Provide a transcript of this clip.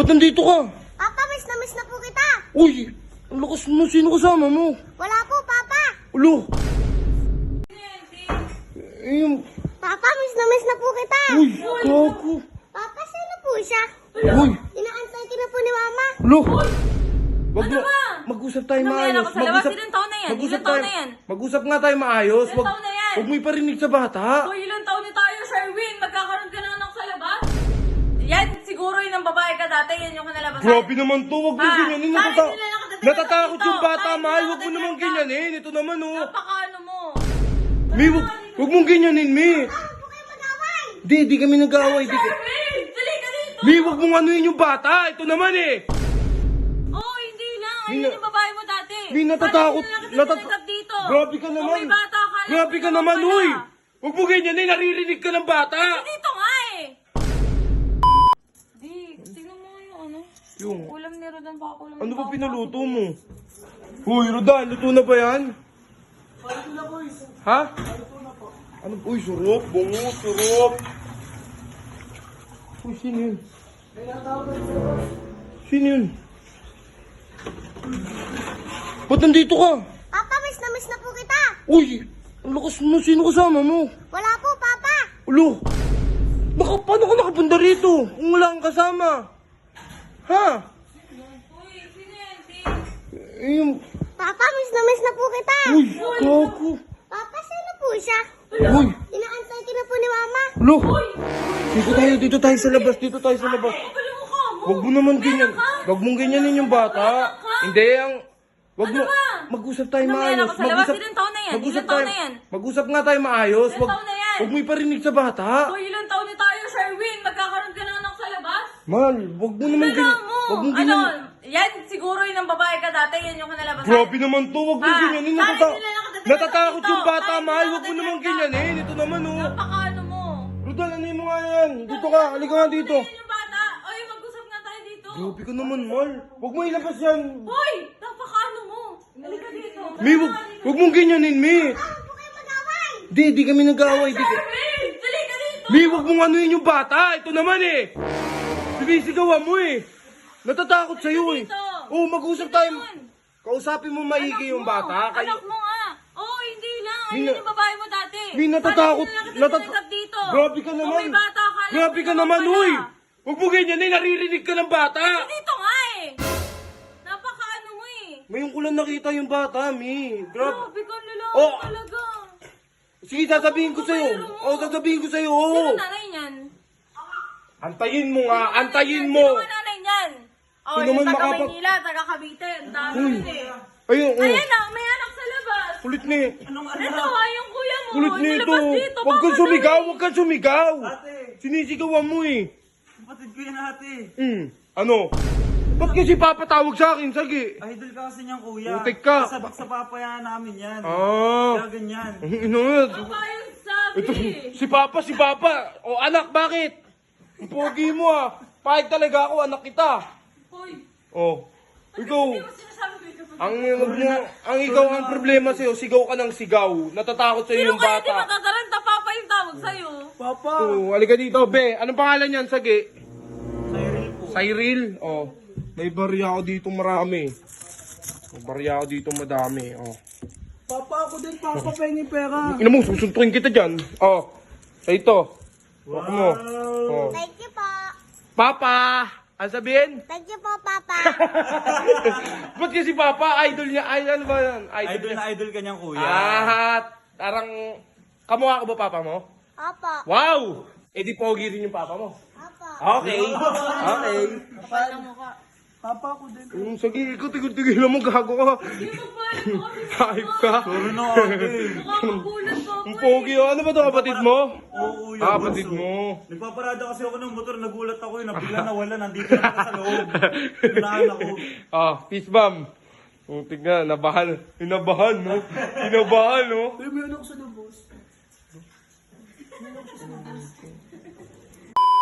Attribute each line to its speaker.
Speaker 1: Ba't nandito ka?
Speaker 2: Papa, miss na po kita.
Speaker 1: Uy, ang lakas mo. Sino kasama mo?
Speaker 2: Wala po, Papa.
Speaker 1: Ulo. Yung...
Speaker 2: Papa, miss na po kita.
Speaker 1: Uy, gago.
Speaker 2: Papa, sino po siya?
Speaker 1: Uy,
Speaker 2: Inaantay ka na po ni Mama.
Speaker 1: ulo. Wag
Speaker 3: Ano
Speaker 1: mo.
Speaker 3: ba?
Speaker 1: Mag-usap tayo
Speaker 3: Ano yan
Speaker 1: maayos.
Speaker 3: ako sa labas? Ilang taon na yan?
Speaker 1: Mag-usap
Speaker 3: Ilang taon
Speaker 1: tayo.
Speaker 3: na yan?
Speaker 1: Mag-usap nga tayo maayos.
Speaker 3: Ilang taon na yan?
Speaker 1: Wag mo iparinig sa bata.
Speaker 3: So, ilang taon na tayo, Sherwin? Magkakaroon ka ng anak sa labas? Yan, siguro yun ang babae ka dati. Yan yung kanalabasan.
Speaker 1: Grabe naman to. Wag mo
Speaker 3: Ah,
Speaker 1: ganyanin.
Speaker 3: bakit nila nakadating
Speaker 1: Natatakot
Speaker 3: dito?
Speaker 1: yung bata,
Speaker 3: Bakit
Speaker 1: mahal.
Speaker 3: nila
Speaker 1: Wag mo
Speaker 3: nakadating
Speaker 1: naman
Speaker 3: dito?
Speaker 1: ganyanin. Ito naman, oh.
Speaker 3: Napakaano mo?
Speaker 1: Mi, wag mong ganyanin, Mi.
Speaker 2: Huwag po kayo mag-away.
Speaker 1: Di kami nag-aaway.
Speaker 3: Sherwin! Dali ka dito!
Speaker 1: Mi, wag mong anuin yung bata. Ito naman, eh.
Speaker 3: Oo, hindi lang.
Speaker 1: Mi,
Speaker 3: Ayun yung babae mo dati.
Speaker 1: Mi, natatakot.
Speaker 3: Bakit nila nakadating dito?
Speaker 1: Grabe ka
Speaker 3: Kung
Speaker 1: naman.
Speaker 3: may bata ka,
Speaker 1: Grabe ka
Speaker 3: alam mo
Speaker 1: naman,
Speaker 3: pala.
Speaker 1: uy. Wag mo ganyanin. Naririnig ka ng bata.
Speaker 3: Dito nga eh! Di, tingnan mo yung ano.
Speaker 1: Yung,
Speaker 3: Ulam ni Rodan pa ako.
Speaker 1: ano ba pinaluto mo? Uy, Rodan, luto na ba yan? Ha? Ano? Uy, surop. Bungo, surop. Uy, sino yun? Sino yun? Ba't nandito ka?
Speaker 2: Papa, miss na po kita.
Speaker 1: Uy, ang lakas mo. Sino kasama mo?
Speaker 2: Wala po, Papa.
Speaker 1: Ulo. Paano ka nakapunta rito? Kung wala kang kasama. Ha?
Speaker 3: Uy, sino yan?
Speaker 1: Yung...
Speaker 2: Papa, miss na po kita.
Speaker 1: Uy, gago.
Speaker 2: Papa, sino po siya?
Speaker 1: Uy,
Speaker 2: Inaantay ka na po ni Mama.
Speaker 1: ulo. Dito tayo sa labas. Dito tayo sa labas.
Speaker 3: Kapal mo ka mo!
Speaker 1: Wag mo naman ganyan. Wag mong ganyanin yung bata. Hindi, ang... Wag mo...
Speaker 3: Ano ba?
Speaker 1: Mag-usap tayo
Speaker 3: Ano yan
Speaker 1: maayos.
Speaker 3: ako sa labas? Ilang taon na yan? Ilang taon na yan?
Speaker 1: Mag-usap nga tayo maayos.
Speaker 3: Ilang taon na yan?
Speaker 1: Wag mo iparinig sa bata.
Speaker 3: So, ilang taon na tayo, Sherwin? Magkakaroon ka ng anak sa labas?
Speaker 1: Mahal, wag mo naman
Speaker 3: Kailangan mo!
Speaker 1: Wag mo
Speaker 3: Ano?
Speaker 1: ganyan.
Speaker 3: Yan, siguro yun ang babae ka dati. Yan yung kanalabasan.
Speaker 1: Grabe naman to. Wag mo
Speaker 3: Ah,
Speaker 1: ganyanin.
Speaker 3: bakit nila nakadating
Speaker 1: Natatakot
Speaker 3: dito?
Speaker 1: yung bata,
Speaker 3: Bakit
Speaker 1: mahal.
Speaker 3: nila
Speaker 1: Wag mo
Speaker 3: nakadating
Speaker 1: naman
Speaker 3: dito?
Speaker 1: ganyanin. Ito naman, oh.
Speaker 3: Napakaano mo?
Speaker 1: Rodan, ano mo nga yan? Dito ka. Halika nga dito.
Speaker 3: Yan yung bata. Oy, mag-usap nga tayo dito.
Speaker 1: Grabe ka naman, mahal. Wag mo ilabas yan.
Speaker 3: Hoy! Napakaano mo? Halika dito.
Speaker 1: Mi, wag mong ganyanin, Mi.
Speaker 2: Huwag po kayo mag-away.
Speaker 1: Di kami nag-aaway.
Speaker 3: Sherwin! Dali ka dito!
Speaker 1: Mi, wag mong anuin yung bata. Ito naman, eh. Sinisigawan mo, eh. Natatakot sa'yo, eh.
Speaker 3: Dito.
Speaker 1: Oh, mag-usap
Speaker 3: Sino
Speaker 1: tayo.
Speaker 3: yun?
Speaker 1: Kausapin mo maigi yung bata.
Speaker 3: Anak mo nga. Oo, hindi lang. Ayun
Speaker 1: Mina-
Speaker 3: yung babae mo dati.
Speaker 1: Mi, natatakot.
Speaker 3: Bakit nila nakadating dito?
Speaker 1: Grabe ka
Speaker 3: Kung
Speaker 1: naman.
Speaker 3: may bata ka, alam
Speaker 1: Grabe
Speaker 3: mo
Speaker 1: ka naman,
Speaker 3: pala.
Speaker 1: uy. Wag mo ganyan, eh. Naririnig ka ng bata.
Speaker 3: Dito nga eh. Napakaano mo eh.
Speaker 1: Ngayon ko lang nakita yung bata, Mi. Grabe.
Speaker 3: Grabe ka lalaki
Speaker 1: Oh.
Speaker 3: talaga.
Speaker 1: Sige, sasabihin ko sa'yo. Oh, sasabihin ko sa'yo.
Speaker 3: Sino
Speaker 1: Oh.
Speaker 3: nanay niyan?
Speaker 1: Antayin mo nga. Antayin mo.
Speaker 3: Sino ang nanay niyan? Oh,
Speaker 1: Sino
Speaker 3: yung
Speaker 1: naman
Speaker 3: taga
Speaker 1: makapag-
Speaker 3: Maynila, taga Cavite. Ang dami
Speaker 1: Uy.
Speaker 3: yun eh.
Speaker 1: Ayun, oh.
Speaker 3: Ayan na, may anak sa labas.
Speaker 1: Kulit ni.
Speaker 3: Ito ah, yung kuya mo.
Speaker 1: Kulit
Speaker 3: Sa
Speaker 1: nito.
Speaker 3: labas dito.
Speaker 1: Huwag kang
Speaker 3: Baka
Speaker 1: sumigaw.
Speaker 3: dali.
Speaker 1: Huwag kang sumigaw.
Speaker 4: Ate,
Speaker 1: Sinisigawan mo, eh.
Speaker 4: kapatid ko yan ate.
Speaker 1: Ano? Ba't kasi papatawag sa akin, Sagi?
Speaker 4: Idol ka kasi niyang kuya.
Speaker 1: Putik ka.
Speaker 4: Kasabot sa papayaan namin yan.
Speaker 1: Ah.
Speaker 4: Kaya ganyan.
Speaker 1: Ano?
Speaker 3: Baka yung sabi.
Speaker 1: Ito, si Papa. O anak, bakit? Ang pogi mo, ah. Pahig talaga ako, anak kita.
Speaker 3: Hoy.
Speaker 1: Oh. Ikaw,
Speaker 3: Hindi mo sinasabi ko ito.
Speaker 1: ang ikaw ang problema sa'yo, sigaw ka ng sigaw. Natatakot sa'yo
Speaker 3: Sino
Speaker 1: yung
Speaker 3: kaya di
Speaker 1: bata.
Speaker 3: matataranta? Papa yung tawag sa'yo.
Speaker 4: Papa!
Speaker 1: Oh, halika dito, be. Anong pangalan niyan, Sagi?
Speaker 4: Cyril po.
Speaker 1: Cyril? Oh. May barya ako dito marami. May barya ako dito madami. Oh.
Speaker 4: Papa ako din, papa pengi pera.
Speaker 1: Ina mo, susuntukin kita dyan. Oh. Ito. Wag mo. Oh.
Speaker 2: Thank you po.
Speaker 1: Papa! Ano sabihin?
Speaker 2: Thank you po, Papa.
Speaker 1: Ba't kasi Papa? Idol niya. Ay, ano ba yan?
Speaker 4: Idol
Speaker 1: niya.
Speaker 4: na idol ka niyang kuya.
Speaker 1: Ah, parang... Kamukha ka ba Papa mo?
Speaker 2: Opo.
Speaker 1: Wow! Eh di pogi rin yung Papa mo.
Speaker 2: Opo.
Speaker 1: Okay. Okay.
Speaker 3: Kapal na mukha.
Speaker 4: Papa ako din.
Speaker 1: Sige, ikaw tigil-tigil mo, gago ka.
Speaker 3: Hindi mo pa alam mo kami.
Speaker 1: Hype ka.
Speaker 4: Sorry na ate.
Speaker 3: Nakakagulat ko ako
Speaker 1: Ang pogi, oh. Ano ba to kapatid mo?
Speaker 4: Oo kuya.
Speaker 1: Ah, kapatid
Speaker 4: bunso.
Speaker 1: mo.
Speaker 4: Nagpaparada kasi ako ng motor, nagulat ako yun. Bigla nawala, nandito na ako sa loob. Tunahan ako.
Speaker 1: Ah, peace bomb. Putik nga, nabahan. Inabahan, no? Inabahan, no?
Speaker 4: May ano ako sa lubos.